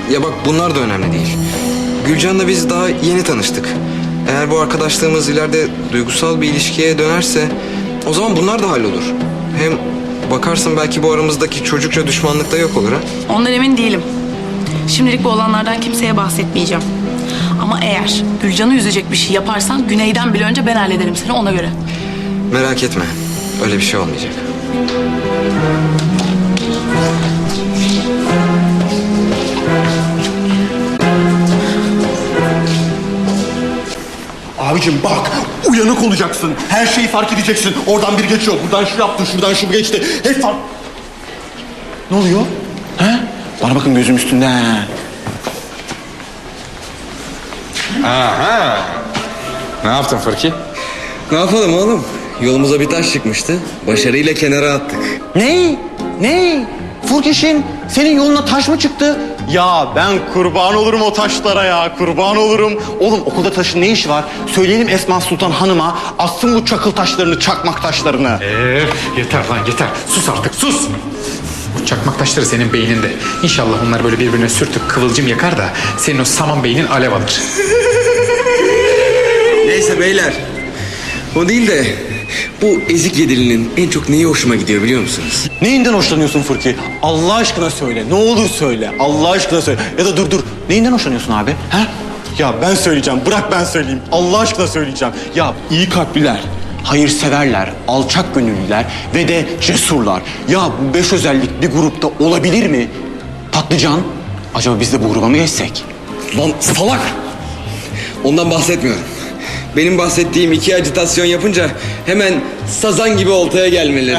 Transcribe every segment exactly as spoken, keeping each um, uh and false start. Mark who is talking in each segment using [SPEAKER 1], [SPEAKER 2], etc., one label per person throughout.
[SPEAKER 1] Ya bak bunlar da önemli değil. Gülcan'la biz daha yeni tanıştık. Eğer bu arkadaşlığımız ileride duygusal bir ilişkiye dönerse o zaman bunlar da hallolur. Hem bakarsın belki bu aramızdaki çocukça düşmanlık da yok olur ha.
[SPEAKER 2] Ondan emin değilim. Şimdilik bu olanlardan kimseye bahsetmeyeceğim. Ama eğer Gülcan'ı üzecek bir şey yaparsan Güney'den bile önce ben hallederim seni, ona göre.
[SPEAKER 1] Merak etme. Öyle bir şey olmayacak.
[SPEAKER 3] Abicim bak, uyanık olacaksın. Her şeyi fark edeceksin. Oradan bir geçiyor, buradan şu yaptı, şuradan şu geçti. Hep fark... Ne oluyor? He? Bana bakın, gözüm üstünde.
[SPEAKER 4] Aha. Ne yaptın Fırki?
[SPEAKER 1] Ne yapalım oğlum? Yolumuza bir taş çıkmıştı. Başarıyla kenara attık.
[SPEAKER 3] Ne? Ne? Furkeş'in senin yoluna taş mı çıktı? Ya ben kurban olurum o taşlara ya, kurban olurum. Oğlum okulda taşın ne işi var? Söyleyelim Esma Sultan Hanım'a assın bu çakıl taşlarını, çakmak taşlarını.
[SPEAKER 4] Ee, yeter lan yeter. Sus artık sus. Bu çakmak taşları senin beyninde. İnşallah onlar böyle birbirine sürtüp kıvılcım yakar da senin o saman beynin alev alır.
[SPEAKER 1] Neyse beyler. O değil de bu ezik yedilinin en çok neyi hoşuma gidiyor biliyor musunuz?
[SPEAKER 3] Neyinden hoşlanıyorsun Furki? Allah aşkına söyle. Ne olur söyle. Allah aşkına söyle. Ya da dur dur. Neyinden hoşlanıyorsun abi? He? Ya ben söyleyeceğim. Bırak ben söyleyeyim. Allah aşkına söyleyeceğim. Ya iyi kalpliler, hayırseverler, alçak gönüllüler ve de cesurlar. Ya bu beş özellik bir grupta olabilir mi? Patlıcan, acaba biz de bu gruba mı geçsek?
[SPEAKER 1] Lan salak! Ondan bahsetmiyorum. Benim bahsettiğim iki acitasyon yapınca hemen sazan gibi oltaya gelmeleri.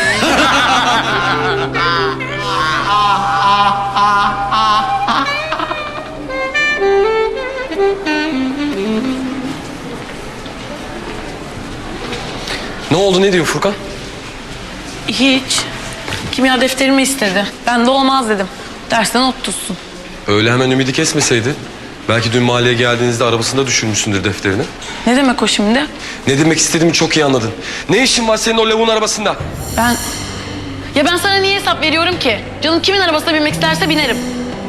[SPEAKER 5] Ne oldu, ne diyor Furkan?
[SPEAKER 2] Hiç. Kimya defterimi istedi. Ben de olmaz dedim. Dersten not tutsun.
[SPEAKER 5] Öyle hemen ümidi kesmeseydi. Belki dün mahalleye geldiğinizde arabasında düşürmüşsündür defterini.
[SPEAKER 2] Ne demek o şimdi?
[SPEAKER 5] Ne demek istediğimi çok iyi anladın. Ne işin var senin o lavuğun arabasında?
[SPEAKER 2] Ben... Ya ben sana niye hesap veriyorum ki? Canım kimin arabasına binmek isterse binerim.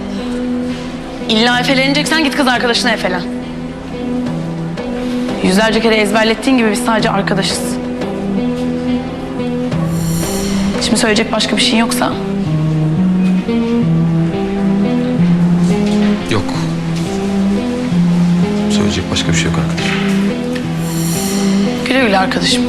[SPEAKER 2] İlla efeleneceksen git kız arkadaşına efelen. Yüzlerce kere ezberlettiğin gibi biz sadece arkadaşız. Şimdi söyleyecek başka bir şey yoksa...
[SPEAKER 5] Yok. Söyleyecek başka bir şey yok arkadaşım.
[SPEAKER 2] Güle güle arkadaşım.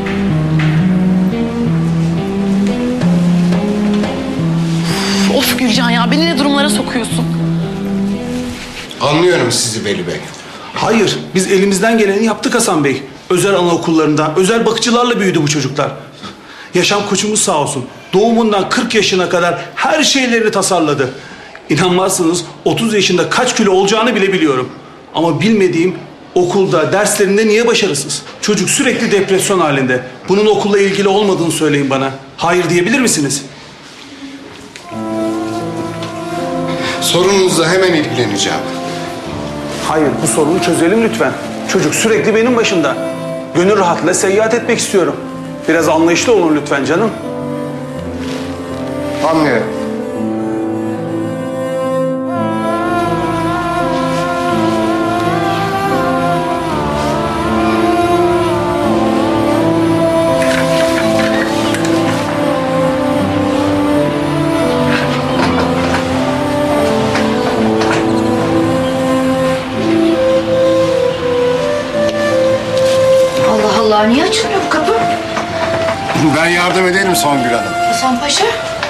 [SPEAKER 2] Of Gülcan ya, beni ne durumlara sokuyorsun?
[SPEAKER 6] Anlıyorum sizi Veli Bey.
[SPEAKER 7] Hayır, biz elimizden geleni yaptık Hasan Bey. Özel anaokullarında, özel bakıcılarla büyüdü bu çocuklar. Yaşam koçumuz sağ olsun. Doğumundan kırk yaşına kadar her şeylerini tasarladı. İnanmazsınız otuz yaşında kaç kilo olacağını bile biliyorum. Ama bilmediğim okulda, derslerinde niye başarısız? Çocuk sürekli depresyon halinde. Bunun okulla ilgili olmadığını söyleyin bana. Hayır diyebilir misiniz?
[SPEAKER 6] Sorununuzla hemen ilgileneceğim.
[SPEAKER 7] Hayır, bu sorunu çözelim lütfen. Çocuk sürekli benim başımda. Gönül rahatlığıyla seyahat etmek istiyorum. Biraz anlayışlı olun lütfen canım.
[SPEAKER 6] Anlıyorum.
[SPEAKER 8] Allah Allah, niye açılmıyor bu kapı?
[SPEAKER 6] Ben yardım ederim Songül Hanım.
[SPEAKER 8] Hasan Paşa.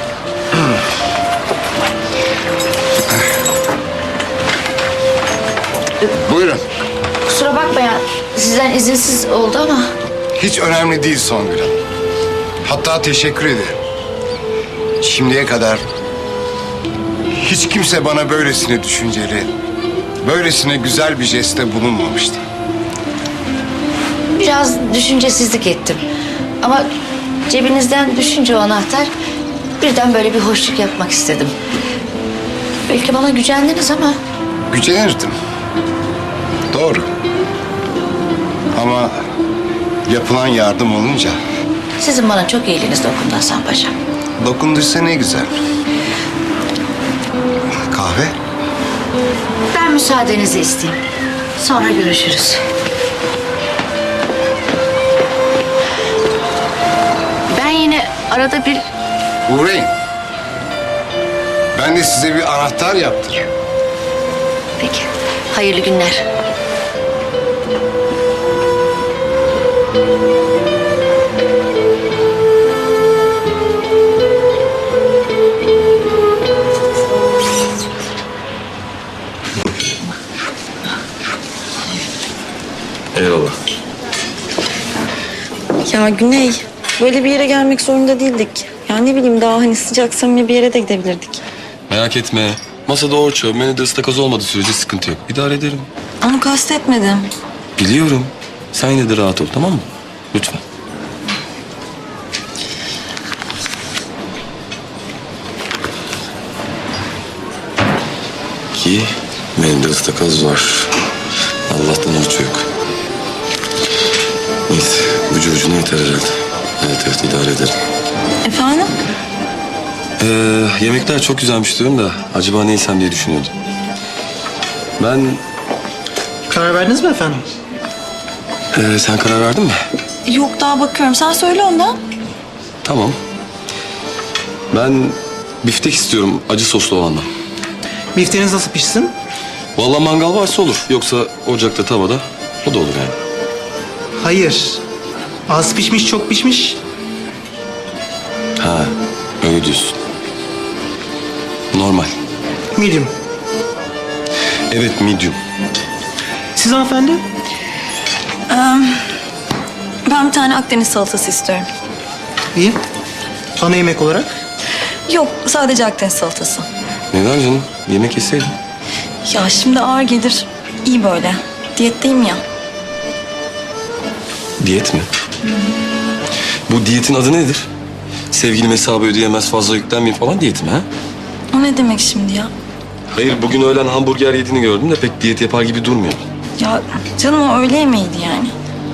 [SPEAKER 6] Buyurun.
[SPEAKER 8] Kusura bakmayın, sizden izinsiz oldu ama...
[SPEAKER 6] Hiç önemli değil Songül Hanım. Hatta teşekkür ederim. Şimdiye kadar hiç kimse bana böylesine düşünceli, böylesine güzel bir jeste bulunmamıştı.
[SPEAKER 8] Biraz düşüncesizlik ettim. Ama cebinizden düşünce o anahtar... birden böyle bir hoşluk yapmak istedim. Belki bana gücendiniz ama...
[SPEAKER 6] Gücenirdim. Doğru. Ama yapılan yardım olunca
[SPEAKER 8] Sizin bana çok iyiliğiniz dokundu Hasan Paşa.
[SPEAKER 6] dokunduysa ne güzel. Kahve?
[SPEAKER 8] Ben müsaadenizi isteyeyim. Sonra görüşürüz. Ben yine arada bir
[SPEAKER 6] Uğrayın. Ben de size bir anahtar yaptırayım.
[SPEAKER 8] peki. Hayırlı günler.
[SPEAKER 5] Eyvallah.
[SPEAKER 9] Ya Güney, böyle bir yere gelmek zorunda değildik. Ya ne bileyim daha hani sıcak samimi bir yere de gidebilirdik.
[SPEAKER 5] Merak etme. Masada orça, menüde ıstakoz olmadığı sürece sıkıntı yok. İdare ederim.
[SPEAKER 9] Onu kastetmedim.
[SPEAKER 5] Biliyorum. Sen yine de rahat ol, tamam mı? Lütfen. Ki menüde ıstakoz var. Allah'tan orça yok. Neyse, ucu ucuna yeter herhalde. Evet evet, idare ederim.
[SPEAKER 9] Efendim?
[SPEAKER 5] Ee, yemekler çok güzelmiş diyorum da acaba ne yesem diye düşünüyordum. Ben...
[SPEAKER 10] Karar verdiniz mi efendim?
[SPEAKER 5] Ee, sen karar verdin mi?
[SPEAKER 9] Yok daha bakıyorum. Sen söyle ondan.
[SPEAKER 5] Tamam. Ben biftek istiyorum, acı soslu olandan.
[SPEAKER 10] Bifteğiniz nasıl pişsin?
[SPEAKER 5] Vallahi mangal varsa olur. Yoksa ocakta, tavada o da olur yani.
[SPEAKER 10] Hayır. Az pişmiş, çok pişmiş.
[SPEAKER 5] Ha, öyle diyorsun. Normal.
[SPEAKER 10] Medium.
[SPEAKER 5] Evet, medium.
[SPEAKER 10] Siz hanımefendi?
[SPEAKER 9] Ben bir tane Akdeniz salatası istiyorum.
[SPEAKER 10] İyi. Ana yemek olarak?
[SPEAKER 9] Yok sadece Akdeniz salatası.
[SPEAKER 5] Neden canım? Yemek yeseydin.
[SPEAKER 9] Ya şimdi ağır gelir. İyi böyle. Diyetteyim ya.
[SPEAKER 5] Diyet mi? Bu diyetin adı nedir? Sevgilim hesabı ödeyemez, fazla yüklenmeyin falan diyeti mi ha?
[SPEAKER 9] O ne demek şimdi ya?
[SPEAKER 5] Hayır, bugün öğlen hamburger yediğini gördüm de pek diyet yapar gibi durmuyor.
[SPEAKER 9] Ya canım o öğle yemeğiydi yani.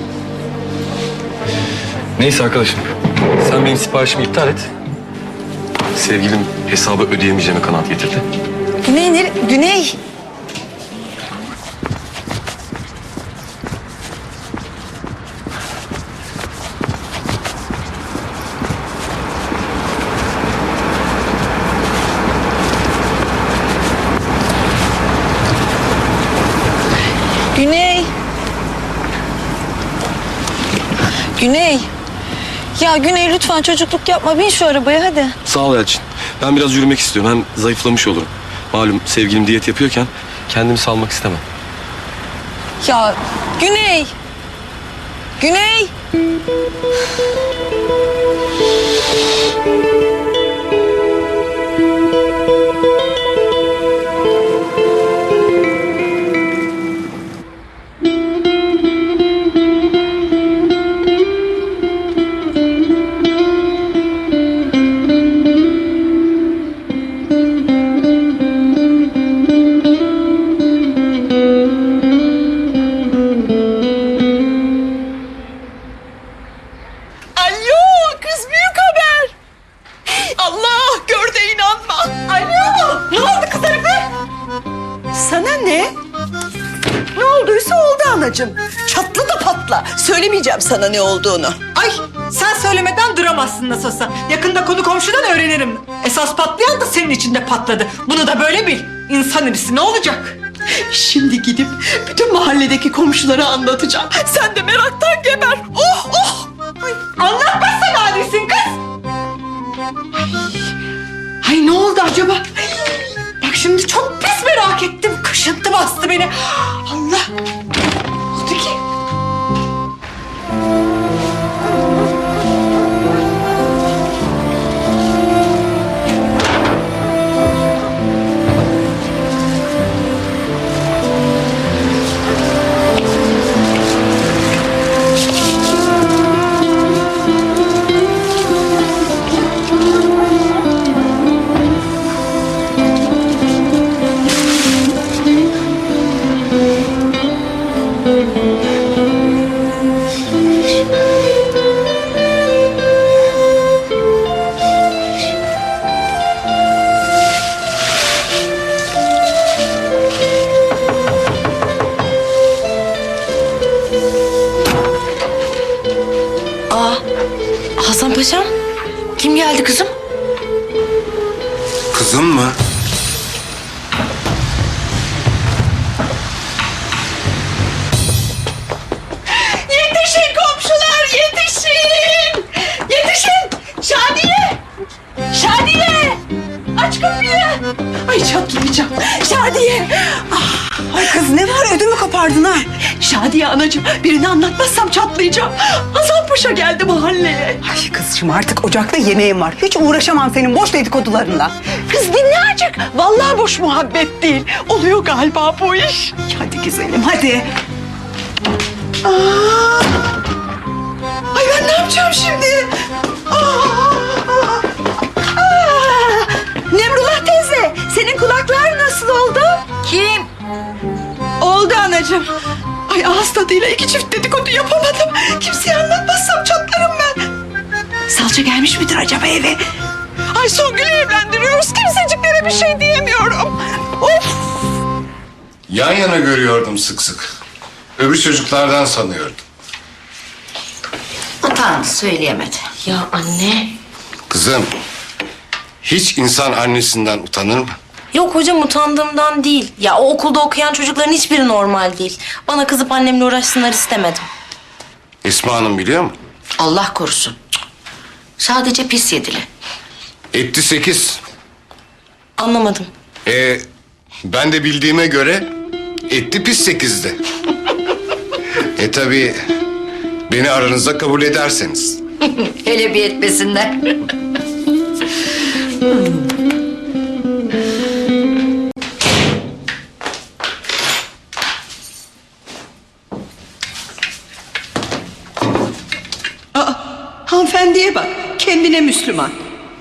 [SPEAKER 5] Neyse arkadaşım, sen benim siparişimi iptal et. Sevgilim hesabı ödeyemeyeceğime kanaat getirdi.
[SPEAKER 9] Güney, nere- Güney. Güney. Güney. Ya Güney lütfen çocukluk yapma. Bin şu arabaya hadi.
[SPEAKER 5] Sağ ol Elçin. Ben biraz yürümek istiyorum. Hem zayıflamış olurum. Malum sevgilim diyet yapıyorken kendimi salmak istemem.
[SPEAKER 9] Ya Güney. Güney.
[SPEAKER 11] Alo kız, büyük haber. Allah, gör de inanma. Alo, ne oldu kız Arife? Sana ne? Ne olduysa oldu anacığım. Çatla da patla. Söylemeyeceğim sana ne olduğunu.
[SPEAKER 12] Ay sen söylemeden duramazsın nasıl olsa. Yakında konu komşudan öğrenirim. Esas patlayan da senin içinde patladı. Bunu da böyle bil. İnsan irisi ne olacak?
[SPEAKER 11] Şimdi gidip bütün mahalledeki komşulara anlatacağım. Sen de meraktan geber. Oh oh.
[SPEAKER 12] Ay, anlatmazsan adisin kız. Ay, ay ne oldu acaba? Ay, bak şimdi çok pis merak ettim. Kaşıntı bastı beni. Allah. Ne oldu ki?
[SPEAKER 8] Paşam, kim geldi kızım?
[SPEAKER 6] Kızım mı?
[SPEAKER 11] Yetişin komşular, yetişin! Yetişin! Şadiye! Şadiye! Aç kapıyı! Ay çatlayacağım. Şadiye! Ah, ay kız ne var, ödümü kopardın ha? Şadiye anacığım, birini anlatmazsam çatlayacağım. Hasan Paşa geldi mahalleye. Ay kızcığım, artık ocakta yemeğim var. Hiç uğraşamam senin boş dedikodularınla. Kız dinle azıcık. Vallahi boş muhabbet değil. Oluyor galiba bu iş. Hadi güzelim, hadi. Aa! Ay ben ne yapacağım şimdi? Aa! Aa! Nemrullah teyze, senin kulaklar nasıl oldu?
[SPEAKER 8] Kim?
[SPEAKER 11] Oldu anacığım. Ay ağız tadıyla iki çift dedikodu yapamadım. Kimseye anlatmazsam çatlarım ben. Salça gelmiş midir acaba eve? Ay Songül'ü evlendiriyoruz. Kimseciklere bir şey diyemiyorum. Of!
[SPEAKER 6] Yan yana görüyordum sık sık. Öbür çocuklardan sanıyordum.
[SPEAKER 8] Utandı, söyleyemedi.
[SPEAKER 9] Ya anne.
[SPEAKER 6] Kızım, hiç insan annesinden utanır mı?
[SPEAKER 9] Yok hocam, utandığımdan değil. Ya o okulda okuyan çocukların hiçbiri normal değil. Bana kızıp annemle uğraşsınlar istemedim.
[SPEAKER 6] Esma Hanım biliyor mu?
[SPEAKER 8] Allah korusun. Sadece pis yedili.
[SPEAKER 6] Etti sekiz.
[SPEAKER 9] Anlamadım.
[SPEAKER 6] Ee, ben de bildiğime göre etti pis sekizdi. E tabii beni aranızda kabul ederseniz.
[SPEAKER 8] Hele bir etmesinler.
[SPEAKER 11] Aa, hanımefendiye bak, kendine Müslüman.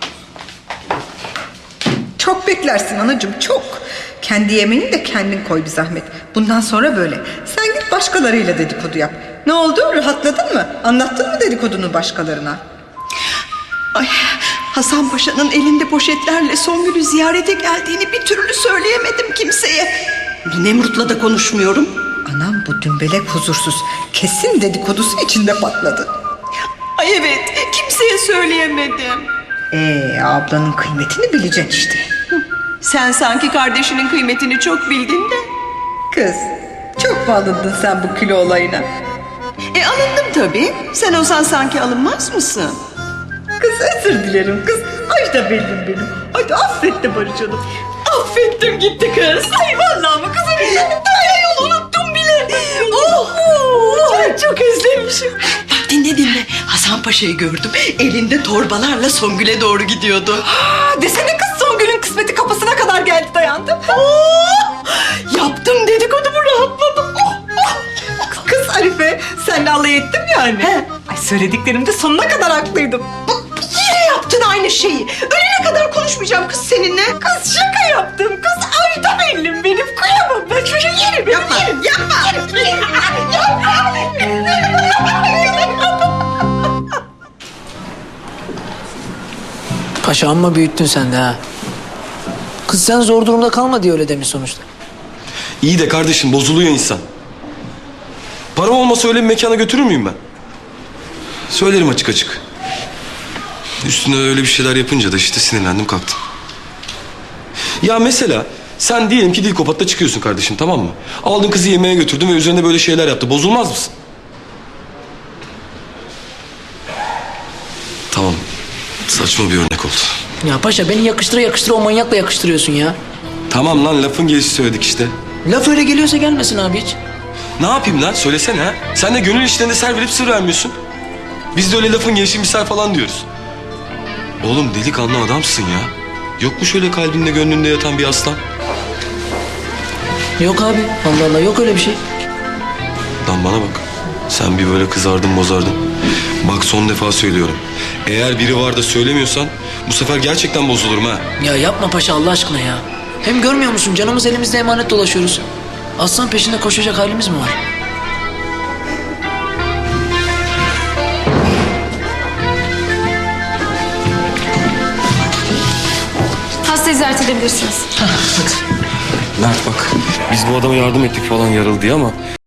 [SPEAKER 11] Çok beklersin anacığım, çok. Kendi yemeğini de kendin koy bir zahmet. Bundan sonra böyle. Sen git başkalarıyla dedikodu yap. Ne oldu, rahatladın mı? Anlattın mı dedikodunu başkalarına? Ay, Hasan Paşa'nın elinde poşetlerle Songül'ü ziyarete geldiğini bir türlü söyleyemedim kimseye. Bu Nemrut'la da konuşmuyorum. Anam bu dümbelek huzursuz. Kesin dedikodusu içinde patladı. Ay evet, kimseye söyleyemedim. Ee, ablanın kıymetini bileceksin işte. Sen sanki kardeşinin kıymetini çok bildin de. Kız, çok mu alındın sen bu kilo olayına? E alındım tabii. Sen olsan sanki alınmaz mısın? Kız özür dilerim kız. Ay da bellim benim. Hadi affet de Barış'ım. Affettim gitti kız. Ay vallahi mı kızım? Daha yol unuttum bile. Oh, ay çok özlemişim. Bak dinle dinle. Hasan Paşa'yı gördüm. Elinde torbalarla Songül'e doğru gidiyordu. Aa, desene kız, Songül'ün kısmeti kapısına kadar geldi dayandı. Oh, yaptım dedikodumu, rahatladım. Oh, oh. Kız Arife, senle alay ettim yani. He. Ay söylediklerimde sonuna kadar haklıydım. Yine yaptın aynı şeyi. Ölene kadar konuşmayacağım kız seninle. Kız şaka yaptım kız. Ay da bellim benim. Kıyamam ben çocuğu yerim. Yapma. Yerim, yapma. Yerim, yerim.
[SPEAKER 10] Paşa amma büyüttün sen de ha. Kız sen zor durumda kalma diye öyle demiş sonuçta.
[SPEAKER 5] İyi de kardeşim bozuluyor insan. Param olmasa öyle bir mekana götürür müyüm ben? Söylerim açık açık. Üstüne öyle bir şeyler yapınca da işte sinirlendim kalktım. Ya mesela sen diyelim ki Dilkopat'ta çıkıyorsun kardeşim, tamam mı? Aldın kızı yemeğe götürdün ve üzerine böyle şeyler yaptı. Bozulmaz mısın? Tamam. Saçma bir örnek oldu.
[SPEAKER 10] Ya paşa beni yakıştıra yakıştıra o manyakla yakıştırıyorsun ya.
[SPEAKER 5] Tamam lan, lafın gelişi söyledik işte.
[SPEAKER 10] Laf öyle geliyorsa gelmesin abi hiç.
[SPEAKER 5] Ne yapayım lan? Söylesene ha. Sen de gönül işlerinde ser verip sır vermiyorsun. Biz de öyle lafın gelişi misal falan diyoruz. Oğlum delikanlı adamsın ya. Yok mu şöyle kalbinde gönlünde yatan bir aslan?
[SPEAKER 10] Yok abi, Allah Allah, yok öyle bir şey.
[SPEAKER 5] Lan bana bak. Sen bir böyle kızardın bozardın. Bak son defa söylüyorum. Eğer biri var da söylemiyorsan bu sefer gerçekten bozulurum ha.
[SPEAKER 10] Ya yapma paşa Allah aşkına ya. Hem görmüyor musun, canımız elimizde emanet dolaşıyoruz. Aslan peşinde koşacak halimiz mi var?
[SPEAKER 9] Hastayı ziyaret edebilirsiniz.
[SPEAKER 5] Mert bak, biz bu adama yardım ettik falan yaralı diye ama